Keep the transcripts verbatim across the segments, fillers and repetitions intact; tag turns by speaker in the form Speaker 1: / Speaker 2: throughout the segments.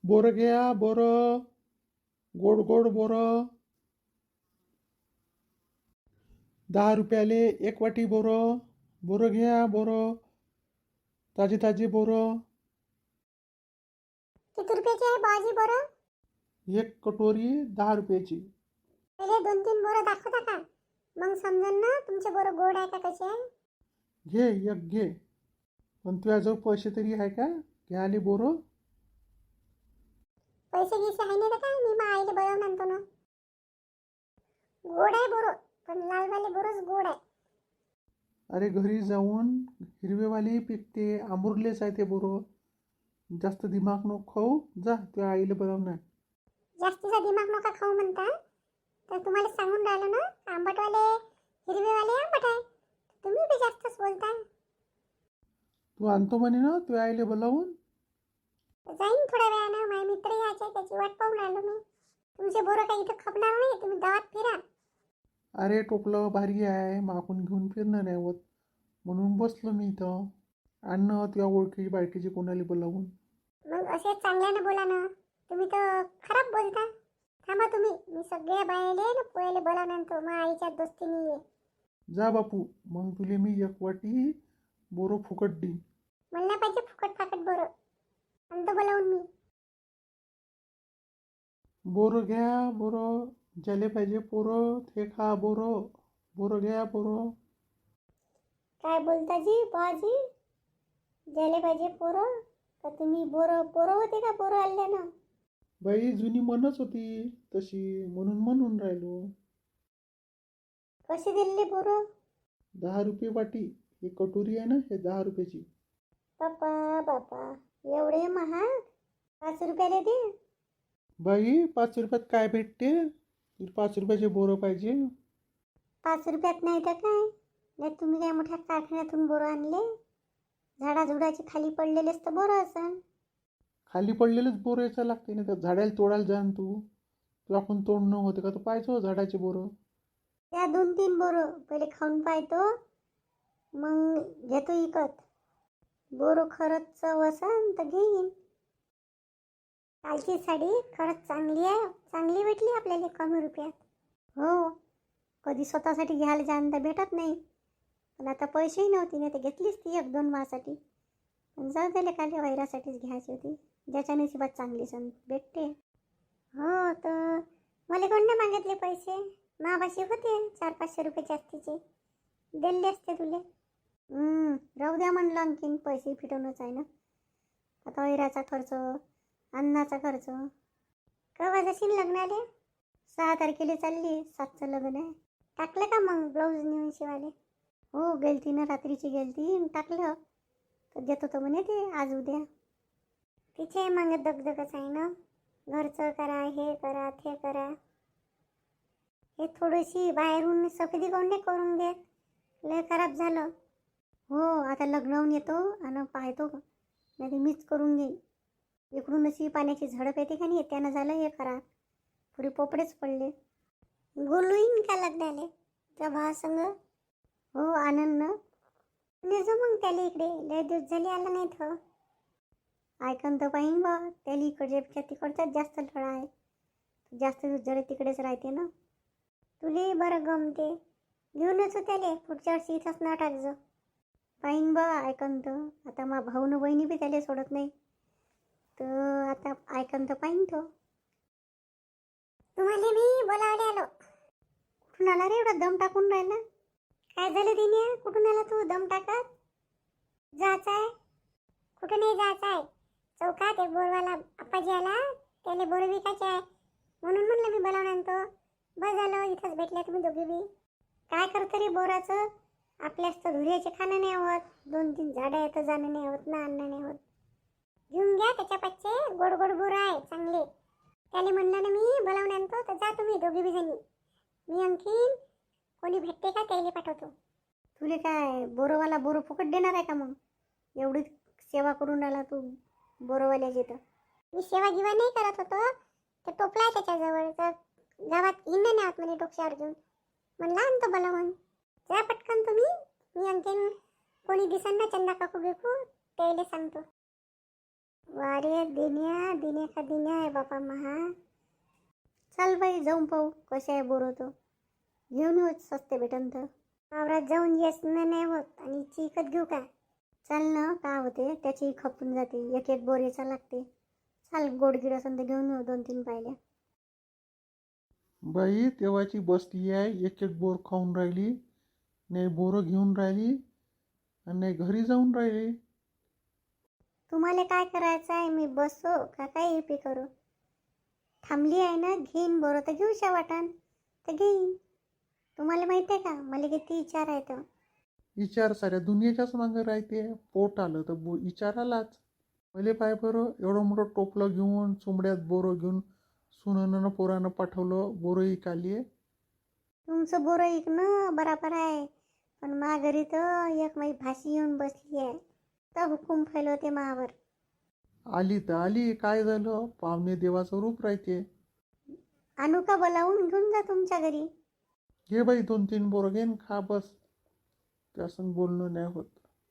Speaker 1: बोरं घ्या बोरं, गोड गोड बोरं. दहा रुपयाले एक वाटी बोरं. बोरं घ्या बोरं, ताजे ताजे बोरं.
Speaker 2: किती रुपयाची आहे बाजी बोरं?
Speaker 1: एक कटोरी दहा रुपयाची.
Speaker 2: पहिले दोन तीन बोरं दाखवता का, मग समजेल ना तुमचे बोरं गोड आहे का कसे आहे.
Speaker 1: घे एक घे. पण तुझ्याजवळ पैसे तरी आहे का घ्यायला बोरं?
Speaker 2: पैसे गिसे आहे नाही तर काय, मी मा आईले बनवून आणतो ना. गोड आहे बोरं, पण लालवाले बोरच गोड आहे.
Speaker 1: अरे घरी जाऊन हिरवेवाले पिकते, आंबुरलेच आहे ते बोरं. जास्त दिमाग नको खाऊ, जा तुझ्या आईला बनवणार.
Speaker 2: जास्तीचा दिमाग नका खाऊ म्हणता, तर तुम्हाला सांगून राहिलो ना, आंबटवाले हिरवेवाले आंबट आहे. तुम्ही बी जास्तच बोलता.
Speaker 1: तू आणतो म्हणे ना तुझ्या आईला बोलावून.
Speaker 2: जाईन थोड्या वेळानं, माझे मित्र यायचे त्याची वाट पाहून राहिलो मी. तुमचे बोरं काही इथं खपणार नाही, तुम्ही गावात फिरा.
Speaker 1: अरे टोपलं भारी आहे, मागून घेऊन फिरणं नाही होत, म्हणून बसलो मी इथं. आणणं तुझ्या ओळखीची बायकीची कोणाला बोलावून.
Speaker 2: मग असे चांगल्यानं बोला ना, तुम्ही तर खराब बोलता. थांबा तुम्ही, मी सगळ्या बायाले ना पोयाले बोलावून आणतो, मग आईच्या दोस्तीने ये.
Speaker 1: जा बापू, मग तुले मी एक वाटी बोरं फुकट देईन.
Speaker 2: मला नाही पाहिजे फुकट फाकट बोरं, आणतो बोलावून मी.
Speaker 1: बोरं घ्या बोरं, ज्याले पाहिजे पोरं ते खा बोरं. बोरं घ्या बोरं.
Speaker 2: काय बोलता जी बाजी, ज्याले पाहिजे पोरं? का तुम्ही बोरं पोरं होते का बोरं आणले ना?
Speaker 1: बाई जुनी म्हणच होती तशी, म्हणून म्हणून राहिलो.
Speaker 2: कशी दिली बोरं?
Speaker 1: दहा रुपये वाटी. ही कटोरी आहे ना, हे दहा रुपयाची.
Speaker 2: बापा बापा, एवढे महाग? पाच रुपयाला दे.
Speaker 1: बाई पाच रुपयात काय भेटते? तुला पाच रुपयाचे बोरं पाहिजे?
Speaker 2: पाच रुपयात नाही तर काय, नाही तुम्ही काय मोठ्या कारखान्यातून बोरं आणले? झाडाझुडाचे खाली पडलेलेच तर बोरं असन.
Speaker 1: खाली पडलेलेच बोरं यायचं लागते ना, त्या झाडाला तोडायला जाण तू. तुला आपण तोडणं होते का, तू पाहिजे झाडाचे बोरं.
Speaker 2: त्या दोन तीन बोरं पहिले खाऊन पाहतो, मग घेतो इकत. बोरं खरंच चव असन तर घेईन. कालची साडी खरंच चांगली आहे, चांगली भेटली आपल्याला कमी रुपयात. हो, कधी स्वतःसाठी घ्यायला जाणं तर भेटत नाही, पण आता पैसेही नव्हते ना, तर घेतलीच ती एक दोन मासाठी. पण जाऊ दिले खाली वैरासाठीच घ्यायची होती, ज्याच्या नशिबात चांगली सण भेटते. हो, तर मला कोण नाही मागितले पैसे, मापाशी होते चार पाचशे रुपये जास्तीचे, दिले असते तुले. राहू द्या म्हणलं, आणखीन पैसे फिटवणंच आहे ना. आता वैराचा खर्च, अन्नाचा खर्च. केव्हा जाशील लग्नाले? सहा तारखेला चालली, सातचं लग्न आहे. टाकलं का मग ब्लाऊज नेऊन शिवाले? हो गेलती ना, रात्रीची गेलती, टाकलं तर देतो तो म्हणे ते आज उद्या. तिचे मग दगदगच आहे ना, घरचं करा, हे करा, ते करा. हे थोडीशी बाहेरून सफेदी कोण नाही करून देत, लय खराब झालं. हो, आता लग्नावून येतो आणि पाहतो, नाही ते मीच करून घेईन. इकडून अशी पाण्याची झडप येते का नाही, त्यानं झालं हे खराब, पुढे पोपडेच पडले. बोलून का लग्नाले त्या भावासंग? हो आनंद ना, नेजो मग त्याला इकडे, लय दिवस झाले आला नाही तर. ऐकन तर पाहिन बा, त्याला इकडच्या तिकडचाच जास्त लढा आहे, जास्त दिवस झाले तिकडेच राहते ना. तुले बरं गमते, घेऊनच त्याले पुढच्या वर्षी इथंच ना टाकजो. पाहिन बा ऐकन तर, आता मा भाऊ न बहिणी बी त्याला सोडत नाही, तर आता ऐकन तर पाहिन तो. तुम्हाला मी बोलावले आलो. कुठून आला रे एवढा दम टाकून राहिला? काय झालं दिन्या, कुठून आला तू दम टाकत? जायचं आहे? कुठं नाही जायचं आहे, चौकात एक बोरवाला आप्पाजी आला, त्याला बोर विकायचे आहे, म्हणून म्हणलं मी बोलावून आणतो. बस झालं, इथंच भेटल्या तुम्ही दोघी बी. काय करतं रे बोराचं? आपल्याच तर धुऱ्याचे खाणं नाही होत, दोन तीन झाडं येतं जाणं नाही होत ना, आणणं नाही होत. घेऊन घ्या त्याच्या पाचशे, गोड गोड बोरं आहे चांगले. त्याला म्हणलं ना मी बोलावून आणतो, तर जा तुम्ही दोघी बी जणी. मी आणखीन कोणी भेटते का त्याला पाठवतो. तुले काय बोरवाला बोरं फुकट देणार आहे का? मग एवढी सेवा करून राहिला तू बोरवाल्याची. तर मी सेवा गिवा नाही करत होतो, तर टोपला आहे त्याच्याजवळ, तर गावात हिंड नाही आत म्हणे डोक्यावर घेऊन, म्हणलं आणतो बोलावून. जा पटकन तुम्ही, मी आणखीन कोणी दिसन ना चंदा काकू बिकू त्याला सांगतो. वारे दिन्या दिन्या का दिन्या. बापा महा. चाल बाई जाऊन पाहू कसे आहे बोर होतो. घेऊन येऊ सस्ते भेटन तर. वावरात जाऊन येस नाही होत आणि चिकत घेऊ का. चाल ना का होते त्याची खपून जाते. एक एक बोर याचा लागते. चाल गोडगिड असेल तर घेऊन येऊ दोन तीन पाहिल्या.
Speaker 1: बाई तेव्हाची बसली आहे, एक एक बोर खाऊन राहिली, नाही बोरं घेऊन राहिली आणि नाही घरी जाऊन राहिली.
Speaker 2: तुम्हाला काय करायचं आहे. मी बसो का काय पी करू. थांबली आहे ना घेईन बोरं तर घेऊशा वाटान तर घेईन. तुम्हाला माहिती आहे का मला किती विचार आहे तर.
Speaker 1: विचार साऱ्या दुनियाच्याच मागं राहते. पोट आलं तर बो विचार आलाच. पहिले पाय बरं एवढं मोठं टोपलं घेऊन चुंबड्यात बोरं घेऊन सुनानं पोरानं पाठवलं बोरं इकाली आहे.
Speaker 2: तुमचं बोरं ऐकणं बराबर आहे. पण मा घरी तर एक माई भाशी येऊन बसली आहे. तर हुकूम फैलवते मावर.
Speaker 1: आली तर आली, काय झालं, पाहुणे देवाचं रूप राहते.
Speaker 2: आणू का बोलावून घेऊन जा तुमच्या घरी.
Speaker 1: घे बाई दोन तीन बोरं घेन खा बस. त्यासंग बोलणं नाही होत.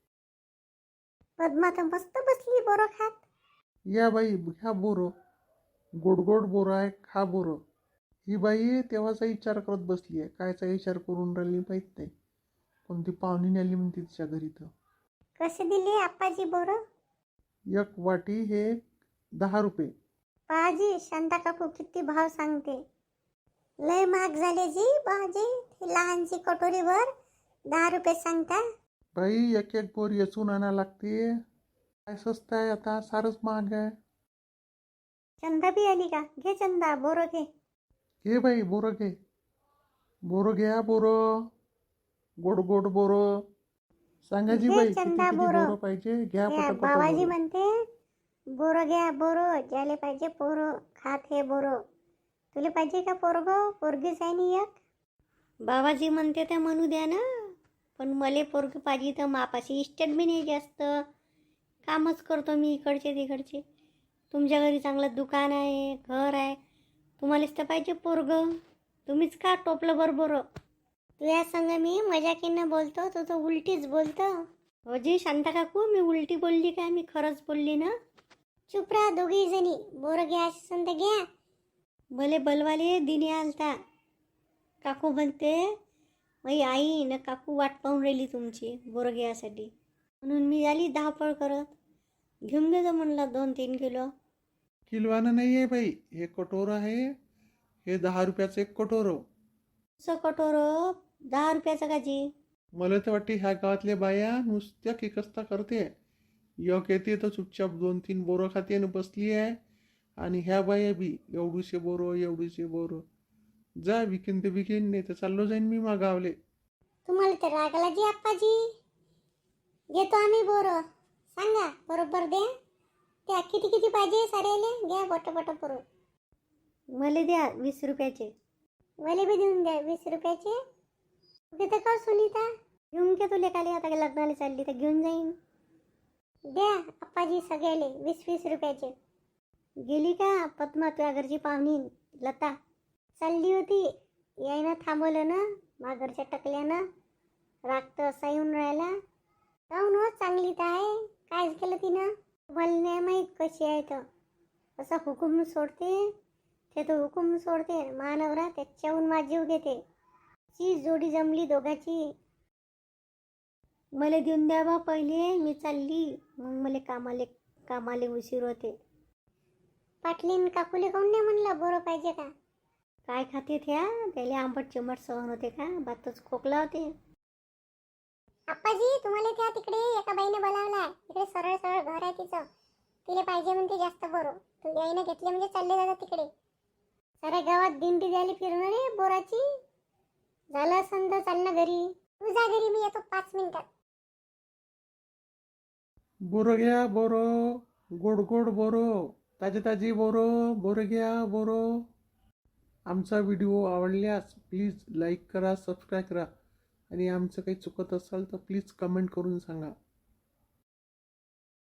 Speaker 2: पद्मा तर मस्त बसली बोरं खात.
Speaker 1: या बाई घ्या बोरं, गोड गोड बोरं आहे, खा बोरं. ही बाई तेव्हाचा विचार करत बसली आहे. कायचा विचार करून राहिली माहीत नाही. पण ती पाहुणी आली म्हणते तिच्या घरी. तर
Speaker 2: कसे दिले आप्पाजी बोरं.
Speaker 1: एक वाटी हे दहा रुपये.
Speaker 2: पाजी शांता काकू किती भाव सांगते. लय महाग झाले जी भाजी. लहानची कटोरीवर दहा रुपये सांगता.
Speaker 1: बाई एक एक बोर येचून आणा लागते. काय स्वस्त आहे आता, सारच महाग आहे.
Speaker 2: चंदा बी आली का. घे चंदा बोरं घे.
Speaker 1: घे बाई बोरं घे. बोरं घ्या बोरं, गोड गोड बोरं. सांगायची
Speaker 2: घे
Speaker 1: बाई किती
Speaker 2: चंदा
Speaker 1: किती
Speaker 2: बोरं.
Speaker 1: बोरं पाहिजे. घ्या
Speaker 2: घ्या
Speaker 1: पटापट
Speaker 2: बाबाजी
Speaker 1: बोरं.
Speaker 2: म्हणते बोरं घ्या बोरं. ज्याले पाहिजे पोरं खात हे बोरं. तुला पाहिजे का पोरग. पोरगीच आहे नी एक. बाबाजी म्हणते तर म्हणू द्या ना. पण मले पोरग पाहिजे तर मापाशी इस्टेट बी नाही जास्त. कामच करतो मी इकडचे तिकडचे. तुमच्या घरी चांगलं दुकान आहे घर आहे. तुम्हालाच तर पाहिजे पोरग. तुम्हीच का टोपलं बरोबर. तुझ्या संग मी मजाकीनं बोलतो तू तर उलटीच बोलतो. हो जी शांता काकू मी उलटी बोलली काय. मी खरंच बोलली ना. चुप राहा दोघी जणी. बोरं घ्या असेल तर घ्या. भले बलवाले दिने आलता. काकू म्हणते मई आई न काकू वाट पाहून राहिली तुमची बोरं घ्यासाठी. म्हणून मी आली धावपळ करत. घेऊन गेलो म्हणलं दोन तीन किलो.
Speaker 1: किलवानं नाही आहे बाई, हे कटोरं आहे. हे दहा रुपयाचं एक कटोरं.
Speaker 2: असं कटोर दहा रुपयाचं का जी.
Speaker 1: मला तर वाटते ह्या गावातल्या बाया नुसत्या किकस्ता करते. एक येते तर चुपचाप दोन तीन बोरं खाते आणि बसली आहे. आणि ह्या बाया बी एवढूशे बोरं एवढूशे बोरं. जा विकीन ते विकीन, नाही तर चाललो जाईन मी मागावले.
Speaker 2: तुम्हाला तर रागला जी आप्पाजी. घेतो आम्ही बोरं. सांगा बरोबर द्या. त्या किती किती पाहिजे साऱ्याले घ्या बट बट बोरं. मला द्या वीस रुपयाचे. मला बी देऊन द्या वीस रुपयाचे. घेतं का सुनीता. घेऊन घे तुले काले आता लग्नाला चालली तर घेऊन जाईन. द्या आप्पाजी सगळ्याले वीस वीस रुपयाचे. गेली का पद्मा तुझ्या घरची पाहुणी लता. चालली होती यायनं थांबवलं ना माघरच्या टकल्यानं. राग तर असा येऊन राहिला. काहून हो चांगली तर आहे. काय केलं तिनं. मला नाही माहीत कशी आहे तर. असा हुकूम सोडते ते तो हुकूम सोडते. महानवरा त्याच्याहून माझीव घेते. ची जोडी जमली दोघाची. मला देऊन द्या बा पहिले. मी चालली मग मला कामाले कामाले उशीर होते. पाटलीन काकुले काहून नाही म्हणलं बोरं पाहिजे का. काय खाते त्या. त्याला आंबट चिंबट सहन होते का. बातच खोकला होते. आप्पाजी तुम्हाला त्या तिकडे एका बाईने बोलावलाय. तिकडे सरळ सरळ घर आहे तिचं. तिला पाहिजे म्हणते जास्त बोरं. तू याईनं घेतले म्हणजे चालले जातात तिकडे. साऱ्या गावात दिंडी द्यायला फिरणार रे बोराची. झालं असं तर चाल ना घरी. तू जा घरी मी येतो पाच मिनिटात.
Speaker 1: बोरं घ्या बोरं, गोड गोड बोरं, ताजी ताजी बोरं. बोरं घ्या बोरं. आमचा व्हिडिओ आवडल्यास प्लीज लाईक करा, सबस्क्राईब करा. आणि आमचं काही चुकत असेल तर प्लीज कमेंट करून सांगा.